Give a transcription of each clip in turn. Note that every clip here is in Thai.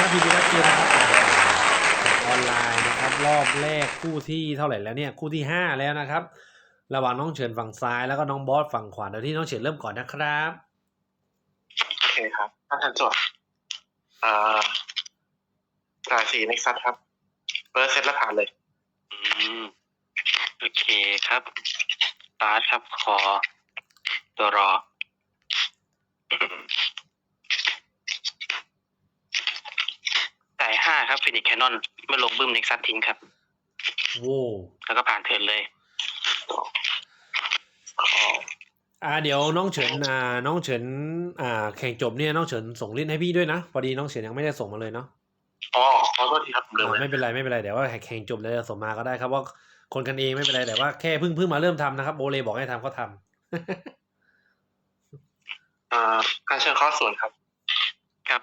ยินดีรับเจอนะครับออนไลน์นะครับรอบแรกคู่ที่เท่าไหร่แล้วเนี่ยคู่ที่5แล้วนะครับระหว่างน้องเฉินฝั่งซ้ายแล้วก็น้องบอสฝั่งขวาเดี๋ยวที่น้องเฉินเริ่มก่อนนะครับโอเคครับถ้าทันจดอ่าจ่าย4 Nexus ครับเปิดเซตแล้วผ่านเลยอืมโอเคครับตาร์ทครับขอตัวรอจ่าย5ครับฟินิกแคนนอนเมื่อลงบึ้มเน็กซัสทิ้งครับโว้แล้วก็ผ่านเทิร์นเลยเดี๋ยวน้องเฉินน้องเฉินแข่งจบเนี่ยน้องเฉินส่งลิสต์ให้พี่ด้วยนะพอดีน้องเฉินยังไม่ได้ส่งมาเลยเนาะขอโทษทีครับผมลืมไม่เป็นไรเดี๋ยวว่าแข่งจบเลยส่งมาก็ได้ครับว่าคนกันเองไม่เป็นไรแต่ว่าแค่เพิ่งมาเริ่มทำนะครับโบเลบอกให้ทำก็ทำการเชิญข้อส่วนครับครับ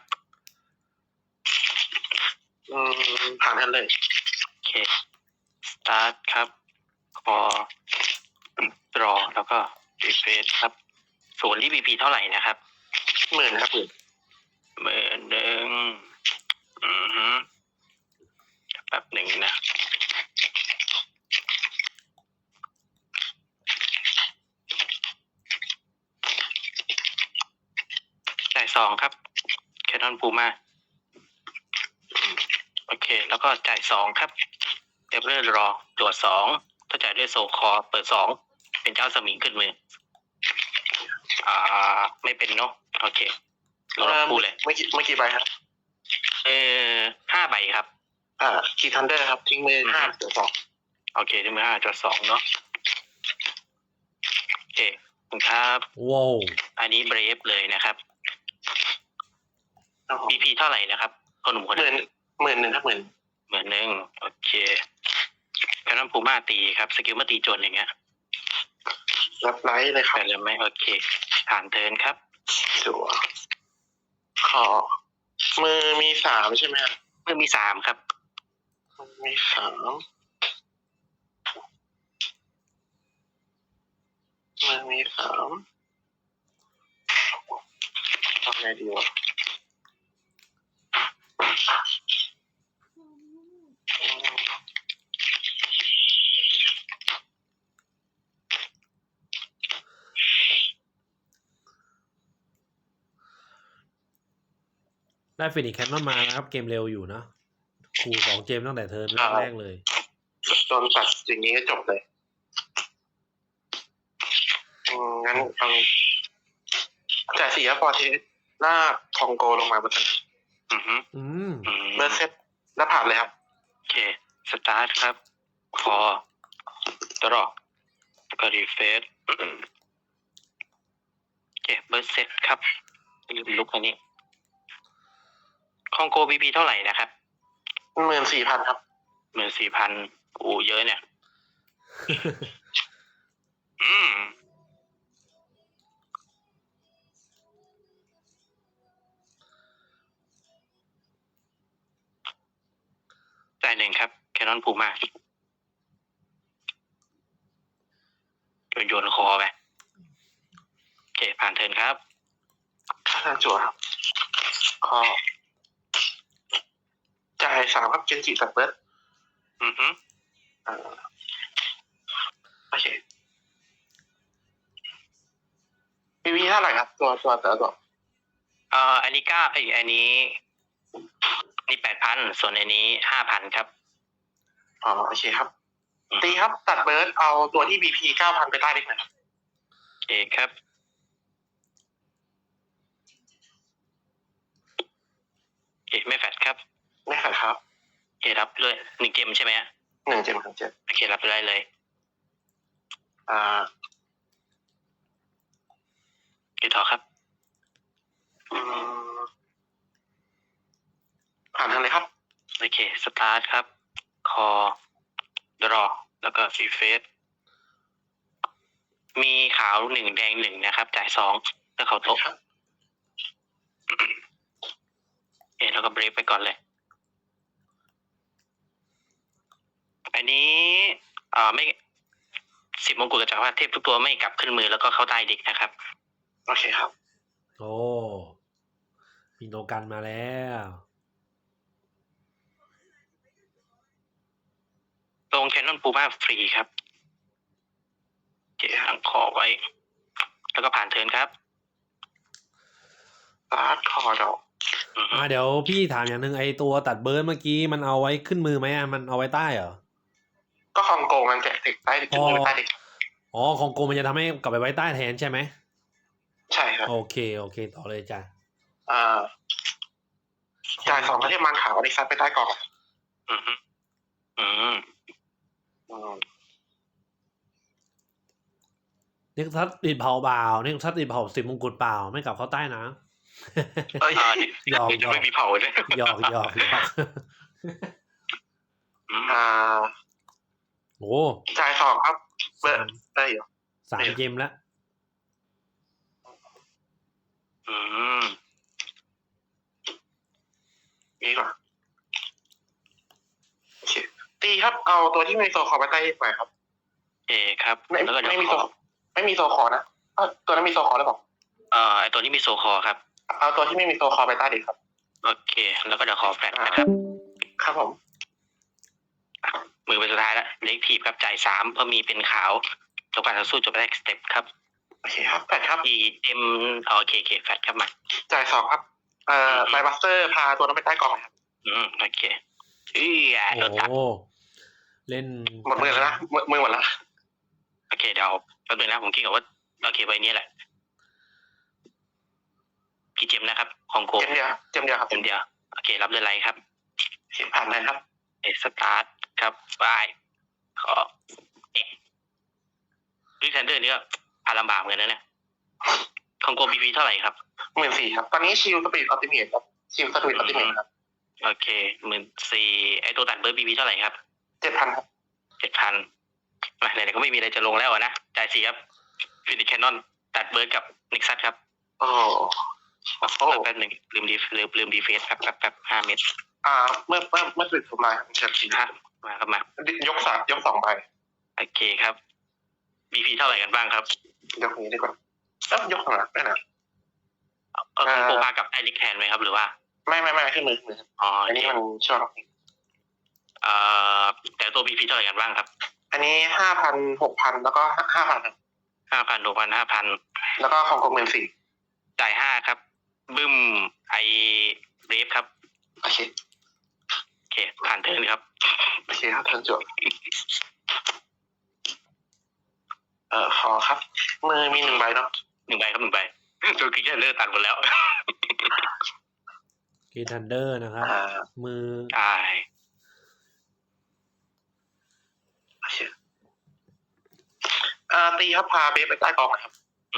ผ่านทันเลยโอเคสตาร์ทครับขอรอแล้วก็รีเฟรชครับส่วนที่ BP เท่าไหร่นะครับ 10,000ครับ 11,000แป๊บหนึ่งนะจ่าย2ครับแคนนอนพูมาโอเคแล้วก็จ่าย2ครับเอเวอร์รอตรวจ2ถ้าจ่ายด้วยโซคอเปิด2เป็นเจ้าสมิงขึ้นมือไม่เป็นเนาะโอเคเราพูดเลยเมื่อกี้ใบครับ 5 ใบครับคีย์ทันเดอร์ครับทิ้งมือ5 ตัว 2 โอเคทิ้งมือ5 ตัว 2เนาะโอเคคุณครับว้าวอันนี้เบรฟเลยนะครับ BP เท่าไหร่นะครับคนหนุ่มคนนั้น 10,000ครับ 10,000โอเคแคนนอนพูม่าตีครับสกิลเมื่อตีโจนอย่างเงี้ยรับไลท์เลยครับแต่เลยไหมโอเคผ่านเทิร์นครับจั่วขอมือมี3ใช่ไหมครับมือมี3ครับมี3มือมี3ทำไงดีวะได้ฟินิกแคนนอนมานะครับเกมเร็วอยู่นะคู่2เกมตั้งแต่เทิร์นแรกเลยโดนตัดอย่างนี้ก็จบเลยงั้นฟังจ่าย4พอเทสหน้าคองโกลงมาบนถนนเบอร์เซตแล้วผ่านเลยครับโอเคสตาร์ทครับคอตัวรอแล้วก็รีเฟรชโอเคเบอร์เซตครับลืมลุกอันนี้คองโก BP เท่าไหร่นะครับ 14,000ครับ 14,000กูเยอะเนี่ยจ่าย1ครับแคนนอนพูมาโยนคอไปโอเคผ่านเทิร์นครับค่าจั่วครับขอจ่าย3ครับเจนจิตัดเบิร์ดโอเคมีเท่าไหร่ครับตัวแต่ละตัวอันนี้อันนี้8,000ส่วนอันนี้ 5,000 ครับโอเคครับตีครับตัดเบิร์ดเอาตัวที่ BP 9,000 ไปใต้เล็กหน่อยครับโอเคครับโอเคไม่แฟดครับไม่แฟดครับโอเครับเลย1 เกมใช่ไหมฮะ 1 เกมครับโอเครับได้เลยกี่ต่อครับผ่านทางเลยครับโอเคสตาร์ทครับคอดรอแล้วก็รีเฟรชมีขาว1แดง1นะครับจ่าย2แล้วเขาโต๊ะแล้วก็เบรกไปก่อนเลยอันนี้ไม่10 มงกุฎกับจักรพรรดิเทพทุกตัวไม่กลับขึ้นมือแล้วก็เข้าใต้เด็กนะครับโอเคครับโอ้มีโนกันมาแล้วงแคนนอนปูมาฟรีครับเก็บหางคอไว้ แล้วก็ผ่านเทิร์นครับสตาร์ทคอดอกเดี๋ยวพี่ถามอย่างหนึ่งไอตัวตัดเบิร์ดเมื่อกี้มันเอาไว้ขึ้นมือไหมมันเอาไว้ใต้เหรอก็คองโกมันแกะติดใต้ขึ้นมือใต้เด็กอ๋อของโกมันจะทำให้กลับไปไว้ใต้แทนใช่ไหมใช่ครับโอเคต่อเลยจ้ะจ่าย2 ประเทศมันขาวอันนี้ซัดไปใต้กล่องเน็กซัสติดเผาเปล่าเน็กซัสติดเผา10 มงกุฎเปล่าไม่กลับเข้าใต้นะเอ้ยหยอกจะไม่มีเผาเลยหยอกโอ้จ่าย2ครับเบอร์ได้อยู่ 3 เกมแล้วนี่ก่อนโอเคตีครับเอาตัวที่มีโซคอไปใต้ไปครับเอครับ แล้วก็เดี๋ยวไม่มีโซคอนะตัวนั้นมีโซคอหรือเปล่าไอตัวนี้มีโซคอครับเอาตัวที่ไม่มีโซคอไปใต้ดีครับโอเค แล้วก็เดี๋ยวขอแฟลชนะครับครับผมมือเป็นสุดท้ายแล้วเล็กทีบครับจ่าย3เพราะมีเป็นขาวจบการต่อสู้จบแรกสเต็ปครับโอเคครับแฟดครับอีเอ็มโอเคแฟลชครับมาจ่าย2ครับไบบัสเตอร์พาตัวนั้นไปใต้กล่องครับโอเคโดนตัดโอ้เล่นหมดมือแล้วนะมือหมดแล้วโอเคเดี๋ยวแป๊บนึงนะผมคิดก่อนว่าโอเคใบนี้แหละกี่เจมนะครับของโกเจมเดียวครับเจมเดียวโอเครับเรือนไรครับผ่านเลยครับสตาร์ทครับบายขอลิทันเดอร์นี่ก็พาลำบากเหมือนกันนะเนี่ยของโกบีพีเท่าไหร่ครับ 14,000ครับตอนนี้ชิลสปีดออปติเมทครับชิลสปีดออปติเมทครับโอเค14,000ไอตัวตัดเบอร์บีพีเท่าไหร่ครับ 7,000ครับ 7,000ไหนๆก็ไม่มีอะไรจะลงแล้วนะจ่าย4ครับฟินิชแคนนอนตัดเบอร์กับนิกซัสครับแป๊บหนึ่งลืมดีเฟสแป๊บ5 เมตรเมื่อสุดสุดลายเชิญสิครับมาครับมายก2ใบโอเคครับบีพีเท่าไหร่กันบ้างครับยกนี้ดีกว่าแล้วยกข้างหลังได้นะก็คือโปรพากับไอริกแทนไหมครับหรือว่าไม่ขึ้นมืออันนี้มันชอบแต่ตัวบีพีเท่าไหร่กันบ้างครับอันนี้ 5,000 6,000 แล้วก็ 5,000 5,000 6,000 5,000 แล้วก็ของกรม14,000 จ่าย5ครับบึ้มไอเรฟครับโอเคผ่านเทิร์นครับโอเคครับเทิร์นจบขอครับมือมี1 ใบเนาะ 1 ใบครับ1 ใบตัวกิ๊กเลิกตัดหมดแล้วกีทันเดอร์นะครับมือใช่โอเคตีครับพาเบสไปใต้กองครับ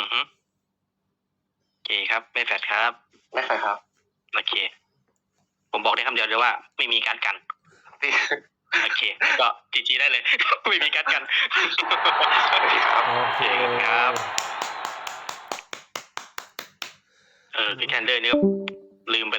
โอเคครับไม่แฟดครับไม่ใช่ครับโอเคผมบอกได้คำเดียวเลยว่าไม่มีการกันโอเคก็จีได้เลย ไม่มีการกันโอเคครับพี่แคนเดอร์นี่ลืมไป